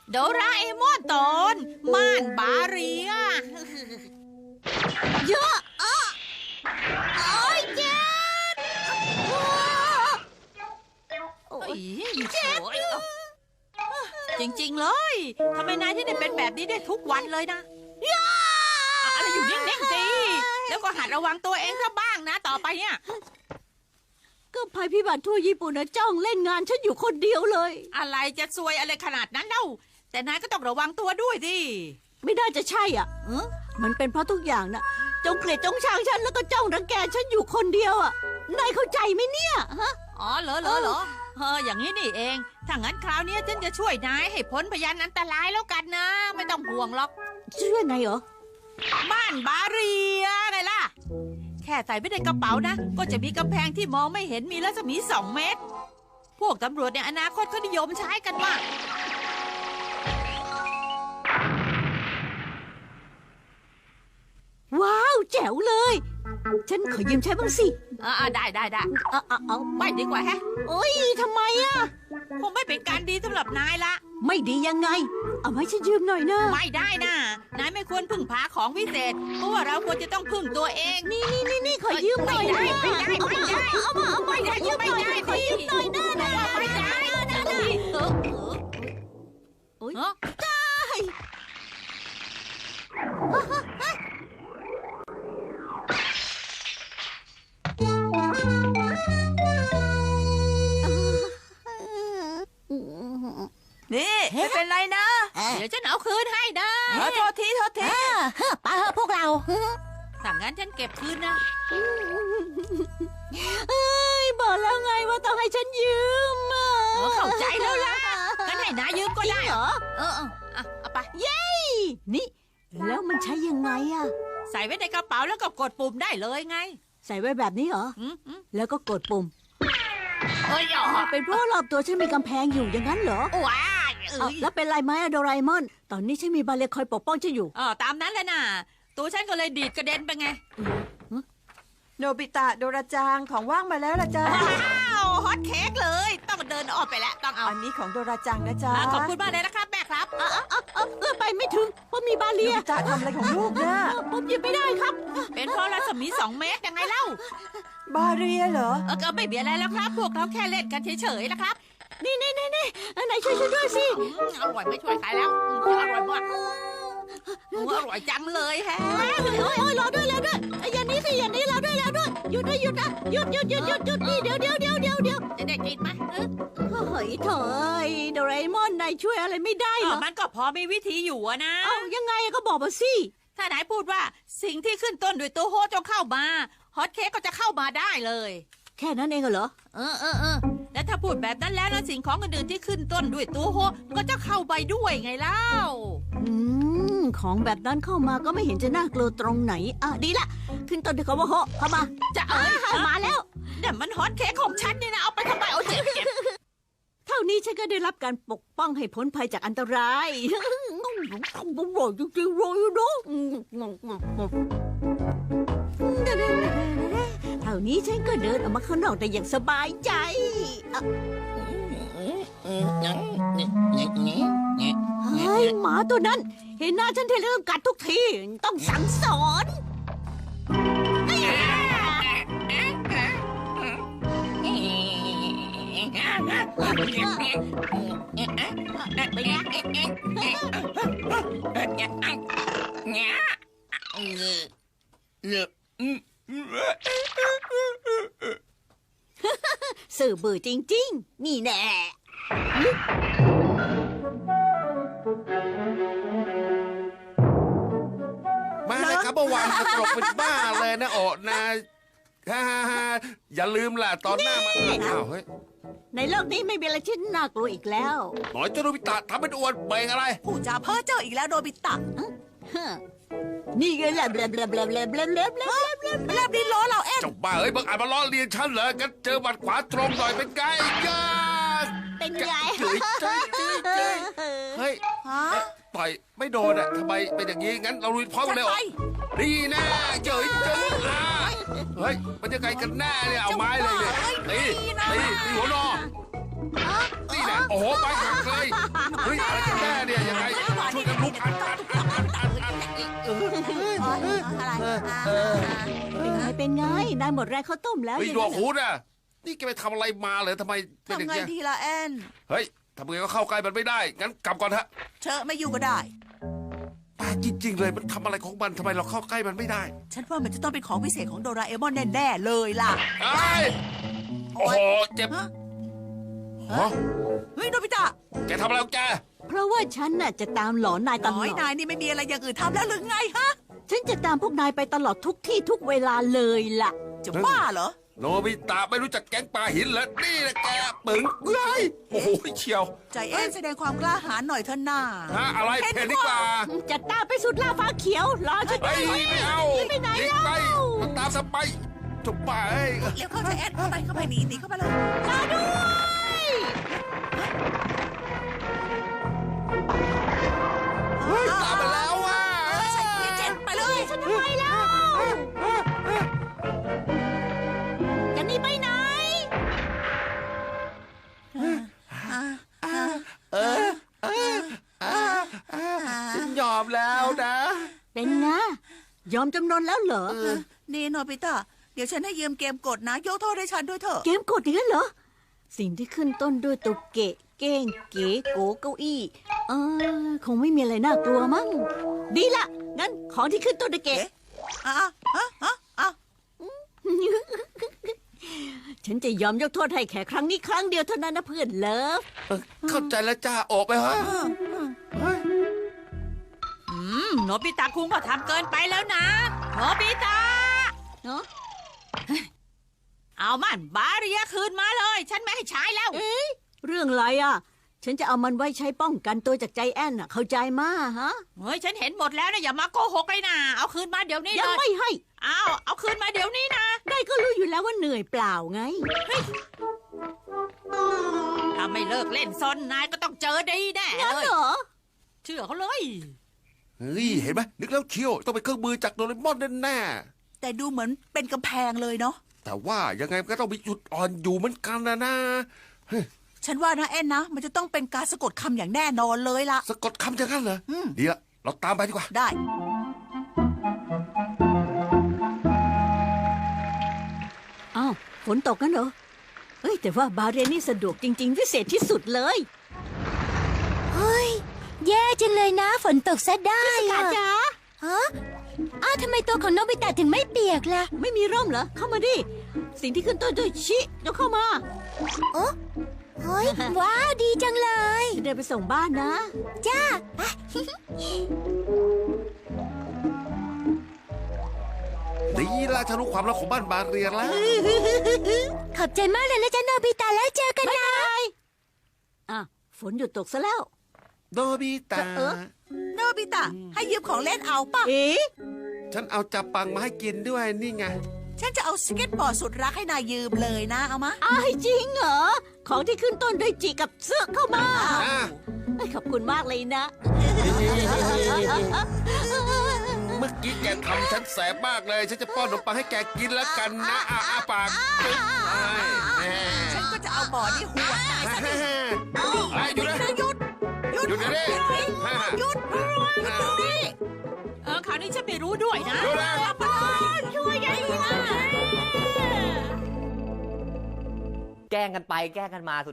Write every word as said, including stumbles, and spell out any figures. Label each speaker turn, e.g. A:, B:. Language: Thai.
A: โดราเอมอนตอนม่านบาเรียเยอะอ่ะโอ้ยเจ็บโอ้ยเจ็บจริงๆเลยทำไมนายที่ได้เป็นแบบนี้ได้ทุกวันเลยนะอะไรอยู่นิ่งๆสิแล้วก็หัดระวังตัวเองซะบ้างนะต่อไปเนี่ย
B: ก็ภัยพิบัติทั่วญี่ปุ่นนะจ้องเล่นงานฉันอยู่คนเดียวเลย
A: อะไรจะซวยอะไรขนาดนั้นเล่าแต่นายก็ต้องระวังตัวด้วยสิ
B: ไม่น่าจะใช่อ่ะเออมันเป็นเพราะทุกอย่างนะจงเกลียดจงชังฉันแล้วก็จ้องรังแกฉันอยู่คนเดียวอ่ะนายเข้าใจไหมเนี่ยฮะ
A: อ๋อเหรอเหรอเหรอเอออย่างนี้นี่เองถ้างั้นคราวนี้ฉันจะช่วยนายให้พ้นพยานอันตรายแล้วกันนะไม่ต้องห่วงหรอก
B: ช่วยไงเหรอ
A: ม่านบาเรียไงล่ะแค่ใส่ไว้ในกระเป๋านะก็จะมีกำแพงที่มองไม่เห็นมีรัศมีสองเมตรพวกตำรวจในอนาคตเขานิยมใช้กันมาก
B: ว้าวแจ๋วเลยฉันขอยืมใช้บ้างสิ
A: อ่าได้ได้ได้
B: เอาเอาเอา
A: ไม่ดีกว่าแฮะ
B: โอ้ยทำไมอ่ะ
A: คงไม่เป็นการดีสำหรับนายละ
B: ไม่ดียังไงเอาให้ฉันยืมหน่อยนะ
A: ไม่ได้นะนายไม่ควรพึ่งพาของวิเศษเพราะว่าเราควรจะต้องพึ่งตัวเอง
B: นี่นี่นี่นี่ขอยืมหน่อยนะ
A: ไม่ได้ไม่ได้
B: เอามาเอา
A: ไม่ได้ยืมไม่ได้
B: ขอยืมหน่อยนะนะ
A: ไม่ได้นะเออเออ
B: โอ้ยได้
A: นี่ไม่เป็นไรนะเดี๋ยวฉันเอาคืนให้นะโทษทีโทษที
B: ป้าพวกเรา
A: ถ้างั้นฉันเก็บคืนนะ
B: เอ้ยบอกแล้วไงว่าต้องให้ฉันยืม
A: เข้าใจแล้วล่ะงั้นให้นายยืมก็ได้
B: เหรอ
A: เออเอาเอาไป
B: เย้นี่แล้วมันใช้ยังไงอะ
A: ใส่ไว้ในกระเป๋าแล้วก็กดปุ่มได้เลยไง
B: ใส่ไว้แบบนี้เหรอแล้วก็กดปุ่ม
A: เฮ้ย
B: เป็นเพราะรอบตัวฉันมีกำแพงอยู่อย่างนั้นเหรอ
A: ว้า
B: แล้วเป็นไรไหมโดราเอมอนตอนนี้ฉันมีบาเลียคอยปกป้องฉันอยู่
A: อ๋อตามนั้นเลยนะตัวฉันก็เลยดีดกระเด็นไปไง
C: โนบิตะโดราจังของว่างมาแล้วล่ะจ้า
A: ว้าวฮอตเค้กเลยต้องเดินออกไปแล้วต้องเอา
C: อันนี้ของโดราจังนะจ๊ะ
A: ขอบคุณมากเลยนะครับแม่ครับ
B: เออเออเออเออไปไม่ถึงเพราะมีบาเลีย
C: โนบิตะทำอะไรของลูกเนี่ย
B: ผมหยิบไม่ได้ครับ
A: เป็นเพราะรัศมีสองเมตรยังไงเล่า
C: บาเรียเหรอ
A: เออก็ไม่เบียอะไรแล้วครับพวกเราแค่เล่นกันเฉยๆนะครับ
B: นี่นี่นี่นี่ไหนช่วยฉันด้วยสิ
A: อร่อยไม่ช่วยใครแล้วอร่อยมากอร่อยจังเลยแฮะ
B: โอ้ยโอ้ยรอด้วยรอด้วยอย่านี้สิอย่านี้รอด้วยรอด้วยหยุดนะหยุดนะหยุดหยุดหยุดหยุดหยุดนี่เดี๋ยวเดี๋ยวเดี๋ยวเดี๋ยวเดี๋ยว
A: จะได้กินไหม
B: เฮ้ยเถอยโดราเอมอนนายช่วยอะไรไม่ได้หรอ
A: มันก็พอมีวิธีอยู่นะ
B: เอ้ายังไงก็บอกมาสิ
A: ถ้านายพูดว่าสิ่งที่ขึ้นต้นด้วยตัวโฮจงเข้ามาฮอตเค้กก็จะเข้ามาได้เลย
B: แค่นั้นเองเหรอ
A: เออเออเออแล้วถ้าพูดแบบนั้นแล้วนะสิ่งของอื่นๆที่ขึ้นต้นด้วยตัวโฮก็จะเข้าไปด้วยไงเล่า
B: อืมของแบบนั้นเข้ามาก็ไม่เห็นจะน่ากลัวตรงไหนอ่ะดีละขึ้นต้นด้วยคำว่าโฮเข้ามา
A: จะเออ
B: มาแล้ว
A: แต่มันฮอตเค้กของฉันนี่นะเอาไปทำไมเอาเจ็บเจ็บ
B: เท่านี้ฉันก็ได้รับการปกป้องให้พ้นภัยจากอันตรายอร่อยจริงๆเลยนะเท่านี้ฉันก็เดินออกมาข้างนอกได้อย่างสบายใจเฮ้ยหมาตัวนั้นเห็นหน้าฉันทีไรต้องกัดทุกทีต้องสั่งสอนสื่อเบื่อจริงๆนี่แน่
D: มาเลยครับเมื่อวานตลกเป็นบ้าเลยนะโอ้นะฮ่าฮ่าอย่าลืมล่ะตอนหน้ามาอ้าวเฮ้ย
B: ในโลกนี้ไม่มีอะไรที่น่ากลัวอีกแล้ว
D: หน่อยเจ้าโนบิตะทำเป็นอวดเบ่งอะไร
C: ผู้จ่าเพ้อเจ้าอีกแล้วโนบิตะ
B: นี่ไงแหลบแหลบแหลบแหลบแหลบแหลบแหลบแหลบ
C: แหลบดินล้อเราเอ็ม
D: เจ้าบ้าเอ้ยบังอาจมาล้อเลียนฉันเหรอกันเจอบัดขวาตรงหน่อยเป็นไงย่า
B: เป็นไง
D: เฮ้ยเฮ้ยต่อยไม่โดนอ่ะทำไมเป็นอย่างนี้งั้นเราลุยพร้อมกันเลยดีแน่เจ๋ยเจ๋ยเฮ้ยมันจะไกลกันแน่เนี่ยเอาไม้เลยเนี่ยตีตีตีหัวนอนี่แหละโอ้โหไปหักเลยเฮ้ยอะไรกันแน่เนี่ยยังไงช่วยกันลุกอัดอัดอัดอัดอัดอัดเออ
C: อะไร
B: เป็นไงเป็นไงนายหมดแรงข้าวต้มแล้ว
D: เฮ้ย
B: อ
D: หน
B: ย่าง
D: วก
B: นั้น
D: หู
B: เหรอ
D: น่ะนี่แกไปทำอะไรมาเหรอทำไมเป็นอย่าง
C: ทำไง
D: เงี้ย
C: ดีล่ะแอน
D: เฮ้ยทำไงก็เข้าใกล้มันไม่ได้งั้นกลับก่อนเถอะ
C: เชอะไม่อยู่ก็ได้
D: แปลกจริง ๆ เลยมันทำอะไรของมันทำไมเราเข้าใกล้มันไม่ได้
C: ฉันว่ามันจะต้องเป็นของพิเศษของโดราเอมอนแน่ๆเลยล่ะ
D: ไอ้ยโอ้โหเจ็บ
C: ฮะ
D: ฮะ
C: เฮ้ยโนบิตะ
D: แกทำอะไรของแก
B: เพราะว่าฉันน่ะจะตามหลอนนายตล
C: น้
B: อ
C: อย
B: ด
C: นายนี่ไม่มีอะไรอย่างอื่นทำแล้วหรือไงฮะ
B: ฉันจะตามพวกนายไปตลอดทุกที่ทุกเวลาเลยล่ะ
C: จะบ้าเหรอ
D: โนบิตะไม่รู้จักแก๊งปลาหินเหรอนี่แหละแกปึ๋งเฮ้ยโอ้โหเชียว
C: ใจแอนแสดงความกล้าหาญหน่อยเถอะน่า
D: ฮะอะไรเพนดีกว่า
B: จะตามไปสุดล่าฟ้าเขียวรอฉัน
D: เฮ้ยไม่เอา
B: ไปไหน
D: หนี
B: แล้ว
D: ไปมันตามสไปจบไป
C: เร็วเข้าใจแอนเข้าไปเข้าไปหนีหนีเข้าไปเลย
B: รอด้วย
D: เฮ้ยตามมาแล้วว่ะ
C: ใส่เกียร์เจ็ดไปเลย
B: ฉันทำไมแล้วจะหนีไปไหน
D: ฉันยอมแล้วนะ
B: เป็นไงยอมจำนนแล้วเหรอ
C: นี่โนบิตะเดี๋ยวฉันให้ยืมเกมกดนะยกโทษให้ฉันด้วยเถอะ
B: เกมกดอย่างนั้นเหรอ สิ่งที่ขึ้นต้นด้วยตัวเกะ เก้ง เก๋โกเก้าอี้เออคงไม่มีอะไรน่ากลัวมั้ง ดีละ งั้นของที่ขึ้นต้นด้วยเกะ
C: อ่ะอ่ะอ่ะอ่ะอ่ะ
B: ฉันจะยอมยกโทษให้แค่ครั้งนี้ครั้งเดียวเท่านั้นนะเพื่อนเลิฟ
D: เออเข้าใจแล้วจ้าออกไปฮะเฮ้ย
A: อืมโนบิตะคุงก็ทำเกินไปแล้วนะโนบิตะ
B: เนาะ
A: เอามันบาเรียคืนมาเลย ฉันไม่ให้ใช้แล้ว
B: เรื่องอะไรอ่ะ ฉันจะเอามันไว้ใช้ป้องกันตัวจากใจแอนน่ะ เข้าใจมาฮะ
A: เฮ้ยฉันเห็นหมดแล้วนะอย่ามาโกหกเลยนะเอาคืนมาเดี๋ยวนี้
B: ยัง
A: เลย
B: ไม่ให้
A: เอาเอาคืนมาเดี๋ยวนี้นะ
B: ได้ก็รู้อยู่แล้วว่าเหนื่อยเปล่าไง
A: ถ้าไม่เลิกเล่นซนนายก็ต้องเจอดีแน่
B: งั้น
A: เลย
B: เหรอ
A: เชื่อเขาเลย
D: เฮ้ยเห็นไหมนึกแล้วเชียวต้องเป็นเครื่องมือจากโดเรมอนแน่
C: แต่ดูเหมือนเป็นกำแพงเลยเนาะ
D: ๆแต่ว่ายังไงมันก็ต้องมีจุดอ่อนอยู่เหมือนกันนะนะเฮ้ย
C: ฉันว่านะแอนนะ มันจะต้องเป็นการสะกดคำอย่างแน่นอนเลยล่ะ
D: สะกดคำอย่างนั้นเหรอ
C: อืม
D: ดีละเราตามไปดีกว่า
C: ได้
B: อ้าวฝนตกกันเหรอ เอ้ย แต่ว่าบาเรนนี่สะดวกจริง ๆ พิเศษที่สุดเลย
E: เฮ้ย แย่จังเลยนะ ฝนตกซะได้
B: กา
E: อะ
B: จ๋า
E: ฮะอ้าวทำไมตัวของโนบิตะถึงไม่เปียกล่ะ
B: ไม่มีร่มเหรอ เข้ามาดิ สิ่งที่ขึ้นต้นด้วยชิเดี๋ยวเข้ามา
E: เฮ้ย ว้าว ดีจังเลย
B: จะเดินไปส่งบ้านนะ
E: จ้า
D: ดีละฉันรู้ความลับของบ้านบาเรียนแล้ว
E: ขอบใจมากเลยนะจ๊ะโนบิตะแล้วเจอกันนะ
B: อ่ะ ฝนหยุดตกซะแล้ว
D: โดบิตะ
B: เออ
C: โนบิตะ ให้ยืมของเล่นเอาป่ะ
B: เอ๊ะ
D: ฉันเอาจับปังมาให้กินด้วยนี่ไง
C: ฉันจะเอาสเก็ตบอร์ดสุดรักให้นายยืมเลยนะ เอามา
B: อ้ายจริงเหรอ ของที่ขึ้นต้นด้วยจีกับเสื้อเข้ามา
D: อ่ะ
B: เอ้ยขอบคุณมากเลยนะ
D: เมื่อกี้แกทำฉันแสบมากเลย ฉันจะป้อนขนมปังให้แกกินแล้วกันนะอาอาปากปึ๊บไปแน่
C: ฉันก็จะเอาบอร์ดนี่หัวดนายซะดิ
D: ไอ้หยุดเลย
C: หยุด หยุด
D: หยุดเดี๋ยวนี้
C: หยุด หยุดหยุดตรงนี้
A: เออคราวนี้ฉันไม่รู้ด้วยนะ
D: หยุดนะ
A: ช่วยยัยนะ
F: แกล้งกันไปแกล้งกันมาสุด